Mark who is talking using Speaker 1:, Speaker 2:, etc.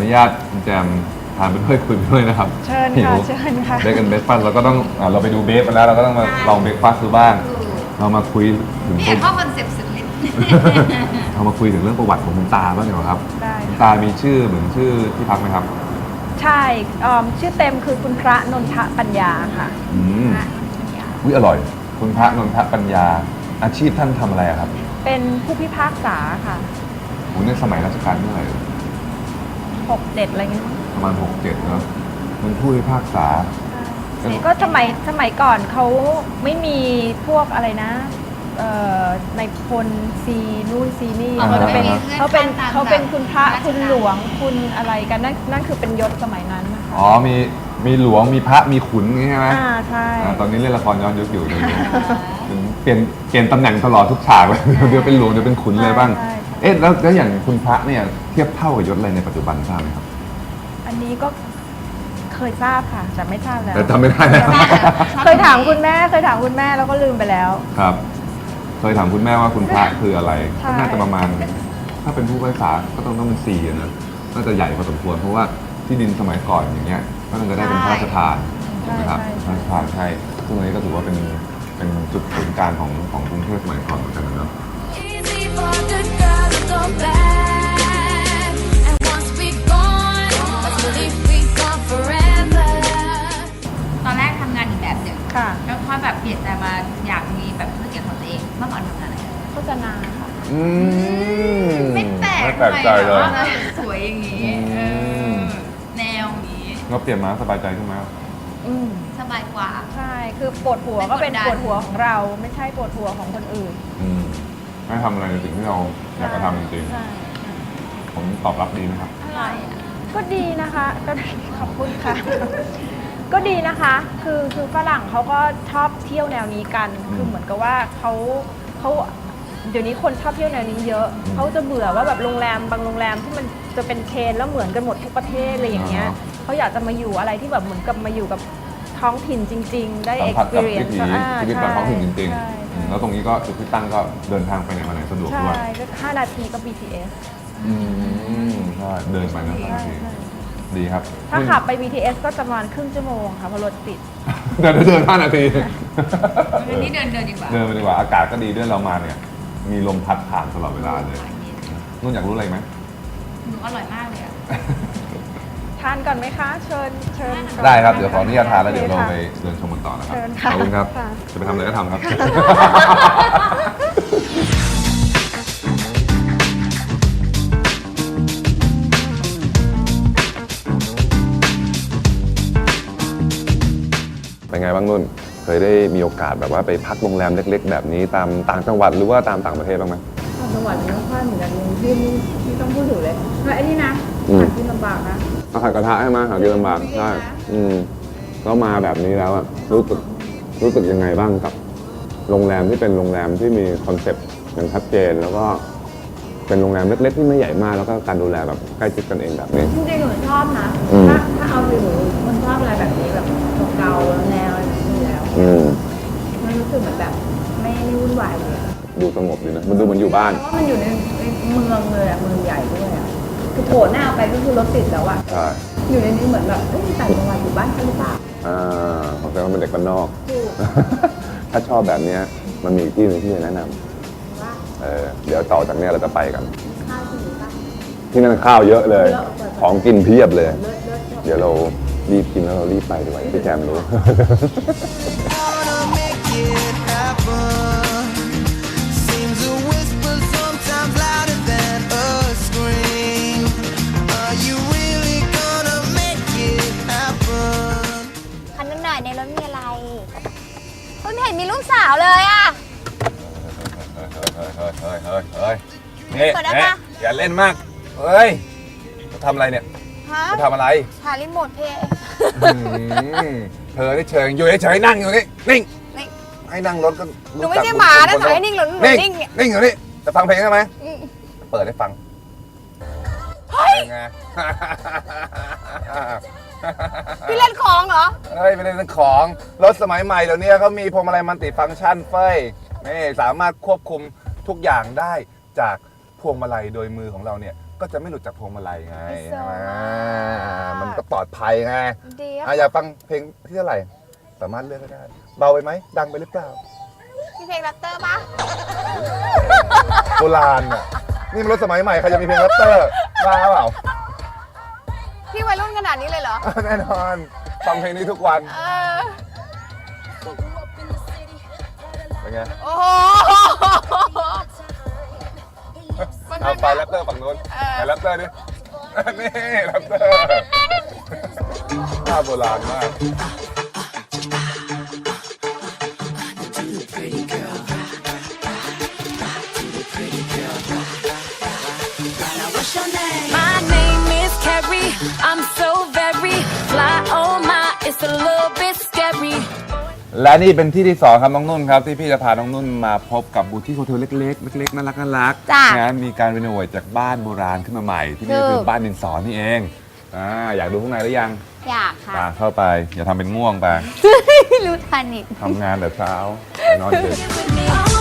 Speaker 1: นุญาตคุณแจมทานไปด้วยคุยไปด้วยนะครับ
Speaker 2: เชิญค่ะเชิญค่ะ
Speaker 1: เบรกกันเบรกฟาสเราก็ต้องเราไปดูเบรกมาแล้วเราก็ต้องมาลองเบรกฟาสดูบ้างเรามาคุยถึง
Speaker 3: นี่เข้าคอนเซ็ปต์สุดฤทธิ์
Speaker 1: เรามาคุยถึงเรื่องประวัติของคุณตาบ้างดีกว่าครับ
Speaker 2: ได้
Speaker 1: คุณตามีชื่อเหมือนชื่อที่พักไหมครับ
Speaker 2: ใช่ชื่อเต็มคือคุณพระนนทปัญญาค่ะ
Speaker 1: อุ้ยอร่อย คุณพระนนทปัญญาอาชีพท่านทำอะไรอะครับ
Speaker 2: เป็นผู้พิพากษาค่ะ
Speaker 1: โอ้ในสมัยรัชกาลเมื่อไหร่
Speaker 2: 6-7อะไรเงี้ย
Speaker 1: ประมาณ6-7เนอะเป็นผู้พิพากษา
Speaker 2: ก็สมัยก่อนเขาไม่มีพวกอะไรนะในพลซีนู่นซีนี่
Speaker 1: อ่า
Speaker 2: เขาจะเป็น
Speaker 3: ฮะ
Speaker 2: เขาเป็น
Speaker 3: ตาม
Speaker 2: เขาเป็นคุณพระ
Speaker 3: ราชการ
Speaker 2: คุณหลวงคุณอะไรกันนั่นคือเป็นยศสมัยนั้นนะคะ
Speaker 1: อ๋อมีหลวงมีพระมีขุนอย่างงี้ใช่ไหม
Speaker 2: ใช่
Speaker 1: ตอนนี้เล่นละครย้อนยุคอยู่เดี๋ยวนี้เปลี่ยนตำแหน่งตลอดทุกฉากเลยเดี๋ยวเป็นหลวงเดี๋ยวเป็นขุนเลยบ้าง
Speaker 2: ใช่
Speaker 1: เอ๊ะแล้วอย่างคุณพระเนี่ยเทียบเท่ากับยศอะไรในปัจจุบันทราบไหมครับ
Speaker 2: อันนี้ก็เคยทราบค่ะแต่ไม่ทราบแล้ว
Speaker 1: แต่จำไม่ได้แล้ว
Speaker 2: เคยถามคุณแม่แล้วก็ลืมไปแล้ว
Speaker 1: ครับ เคยถามคุณแม่ว่าคุณพระคืออะไร
Speaker 2: ใช่
Speaker 1: ก็น่าจะประมาณ ถ้าเป็นผู้พิพากษาก็ต้องเป็น4นะน่าจะใหญ่พอสมควรเพราะว่าที่ดินสมัยก่อนอย่างเงี้ยก็น่าจะได้เป็นพระราชทานถูกไหมครับพระราชทานใช่ซึ่งอันนี้ก็ถือว่าเป็นจุดศูนย์กลางของกรุงเทพสมัยก่อนเหมือนกันนะเนาะ
Speaker 4: Easy for the girl to go back. And once we gone, let's believe we gone forever.
Speaker 3: ตอนแรกทำงานอีกแบบหนึ่ง
Speaker 2: ค่ะ
Speaker 3: แล้วพอแบบเปลี่ยนใจมาอยากมีแบบธุรกิจของตัวเองเมื่อก่อนทำงานอะไร
Speaker 2: โฆษณาค่ะ
Speaker 3: ไม่แปลก
Speaker 1: ไม่แปลกใจเลย
Speaker 3: ทำไมแบบว่าสวยอย่างนี้แนวนี้
Speaker 1: เราเปลี่ยนมาสบายใจขึ้นไหมครับ
Speaker 3: สบายกว่า
Speaker 2: ใช่ คือปวดหัวก็เป็น
Speaker 3: ไม่กดดัน
Speaker 2: ปวดหัวของเรา ไม่ใช่ปวดหัวของคนอื่น
Speaker 1: ไม่ทำอะไรในสิ่งที่เราอยากจะทำจริง
Speaker 2: ใช่
Speaker 1: ๆผมตอบรับดีนะครับ
Speaker 3: อะไรอ่ะ
Speaker 2: ก็ดีนะคะ ก็ขอบคุณค่ะ ก็ดีนะคะ คือฝรั่งเขาก็ชอบเที่ยวแนวนี้กัน คือเหมือนกับว่าเขาเดี๋ยวนี้คนชอบเที่ยวแนวนี้เยอะ เขาจะเบื่อว่าแบบโรงแรมบางโรงแรมที่มันจะเป็นเชนแล้วเหมือนกันหมดทุกประเทศอะไรอย่างเงี้ย
Speaker 1: อ่าฮะ
Speaker 2: เขาอยากจะมาอยู่อะไรที่แบบเหมือนกับมาอยู่กับท้องถิ่นจริง ๆ ได้
Speaker 1: สัมผัสกับวิ
Speaker 2: experience
Speaker 1: ถีชีวิตแบบท้องถิ่นจริง
Speaker 2: ใช่
Speaker 1: ๆ แล้วตรงนี้ก็จุดที่ตั้งก็เดินทางไปไหนมาไหนสะดวก
Speaker 2: ใช่
Speaker 1: ด้วย
Speaker 2: ก็5 นาทีก็ BTS
Speaker 1: ใช่เดินไปนะ
Speaker 2: ใช่
Speaker 1: บางที
Speaker 2: ใช่
Speaker 1: ดีครับ
Speaker 2: ถ้าขับไป BTS ก็จะประมาณครึ่งชั่วโมงค่ะเพราะรถติด
Speaker 1: เดิน5 นาที
Speaker 3: วันนี้เดินดีกว่า
Speaker 1: เดินไปดีกว่าอากาศก็ดีด้วยเรามาเนี่ย มีลมพัดผ่านตลอดเวลาเลยนุ่นอยากรู้อะไรไหม
Speaker 3: หนูอร่อยมากเลยอ่ะ
Speaker 2: ทานก่อนไหมคะ เชิญก่อน
Speaker 1: ได้ครับ เดี๋ยวขออนุญาตทานแล้ว
Speaker 2: โอค
Speaker 1: เดี๋ยวเรา
Speaker 2: ค่ะ
Speaker 1: ไปเดินชมกันต่อนะครับ
Speaker 2: เชิญค่ะ
Speaker 1: ขอบคุณครับ
Speaker 2: ค่ะ
Speaker 1: จะไปทำอะไรก็ทำครับ เป็นไงบ้างนุ่น เคยได้มีโอกาสแบบว่าไปพักโรงแรมเล็กๆ แบบนี้ตามต่างจังหวัดหรือว่าตามต่างประเทศบ้างไหม
Speaker 2: ต่างจังหวัดไม่ค่อยเหมือนกันที่ต้องพูดถึงเลยแล้วไอ้นี่นะ
Speaker 1: อืม
Speaker 2: หากินลำบากนะ
Speaker 1: อาหารกระทะใช่ไหมหากินลำบากใช่แล้วมาแบบนี้แล้วอะรู้สึกยังไงบ้างกับโรงแรมที่เป็นโรงแรมที่มีคอนเซ็ปต์อย่างชัดเจน แล้วก็เป็นโรงแรมเล็กๆที่ไม่ใหญ่มากแล้วก็การดูแลแบบใกล้ชิดกันเองแบบนี้
Speaker 2: จริงๆหนูชอบนะ
Speaker 1: อืม
Speaker 2: ถ้าเอาไปหนูมันชอบอะไรแบบนี้แบบเก่าๆแนวอะไรแบบนี้แล้ว
Speaker 1: อืม
Speaker 2: มันรู้สึกเหมือนแบบไม่วุ่นวายเลยอะ
Speaker 1: ดูสงบดีนะมันดูเหมือนอยู่บ้าน
Speaker 2: เพราะว่ามันอยู่ในเมืองเลยอะเมืองใหญ่ด้วยอะคือโผล่หน้าไปก็คือรถติดแล้วอะ
Speaker 1: ใช่
Speaker 2: อยู่ในนี้เหมือนแบบเอ้ยต่างจังหวัดอยู่บ้านฉันหรือเปล่า
Speaker 1: ผมแต่ว่าเป็นเด็กบ้านนอก
Speaker 2: ถูก
Speaker 1: ถ้าชอบแบบเนี้ยมันมีอีกที่หนึงที่จะแนะน
Speaker 2: ว่า
Speaker 1: ำเดี๋ยวต่อจากเนี้ยเราจะไปกัน
Speaker 2: ข้าวที่อยู่บ้าน
Speaker 1: ที่นั่นข้าวเยอะเลย
Speaker 2: เยอะกว่า
Speaker 1: ของกินเพียบเลย
Speaker 2: เลิศชอบ
Speaker 1: เดี๋ยวเรารีบกินแล้วเรารีบไปดีกว่าพี่แจมรู้
Speaker 5: Wanna make it happen. Seems a whisper sometimes louder than a scream. Are you really gonna make it happen?
Speaker 6: คันนั้นหน่อยในรถมีอะไรเฮ้ยไม่เห็นมีลูกสาวเลยอ่ะ
Speaker 1: เฮ้ยนี่
Speaker 6: เปิดได้ปะ
Speaker 1: อย่าเล่นมาก เฮ้ยจะทำอะไรเนี่ย
Speaker 6: ฮะ
Speaker 1: จะทำอะไร
Speaker 6: หารีโมทเพย์
Speaker 1: เธอได้เชิญอยู่เฉยๆนั่งอยู่นี่นิ่ง
Speaker 6: นิ่ง
Speaker 1: ให้นั่งรถก็
Speaker 6: หนูไม่ใช่หมานะสั่งให้นิ่งหรือหนูนิ่งเนี่ย
Speaker 1: นิ่งอยู่นี่จะฟังเพลงใช่ไหม
Speaker 6: อืม
Speaker 1: เปิดให้ฟัง
Speaker 6: เฮ้ย
Speaker 1: เป็นไง
Speaker 6: พี่เล่นของเหรอ
Speaker 1: เฮ้ยไม่ได้เป็นของรถสมัยใหม่เดี๋ยวนี้เขามีพวงมาลัยมัลติฟังก์ชันเฟ้ยนี่สามารถควบคุมทุกอย่างได้จากพวงมาลัยโดยมือของเราเนี่ย
Speaker 7: ก็จะไม่หลุดจากพวงมาลัยไง
Speaker 6: ไฮโซ
Speaker 7: ใช่ไหม
Speaker 6: มาก
Speaker 7: มันก็ปลอดภัยไง
Speaker 6: ดีอะ
Speaker 7: อยากฟังเพลงที่เท่าไหร่ สามารถเลือกก็ได้ เบาไปไหม ดังไปหรือเปล่า
Speaker 6: มีเพลงแรปเตอร์ปะ
Speaker 7: โบราณอ่ะ นี่มันรถสมัยใหม่ ใครจะมีเพลงแรปเตอร์บ้าเปล่า
Speaker 6: พี่วัยรุ่นขนาดนี้เลยเหรอ
Speaker 7: แน่นอน ฟังเพลงนี้ทุกวัน
Speaker 6: เออ
Speaker 7: เป็นไง
Speaker 6: โอ้โห
Speaker 7: เอาไปแรปเตอร์ฝั่งนู้นไปแรปเตอร์ดิ นี่แรปเตอร์ภาพโบราณมาก
Speaker 4: My name is Carrie. I'm so very fly. Oh my, it's a little bit scary.
Speaker 7: และนี่เป็นที่ที่สองครับน้องนุ่นครับ ที่พี่จะพาน้องนุ่นมาพบกับบูธที่โฮเทลเล็กๆเล็กๆน่ารักน่ารัก
Speaker 6: จ้ะ
Speaker 7: นะมีการรีโนเวทจากบ้านโบราณขึ้นมาใหม่ ที่นี่
Speaker 6: ถูก
Speaker 7: คือบ้านดินสอนี่เองอยากดูข้างในหรือยัง
Speaker 6: อยากค่ะ
Speaker 7: ตามเข้าไป อย่าทำเป็นง่วงไป
Speaker 6: รู้ทันอีก
Speaker 7: ทำงานแต่เช้าไปนอนดึก
Speaker 4: With me,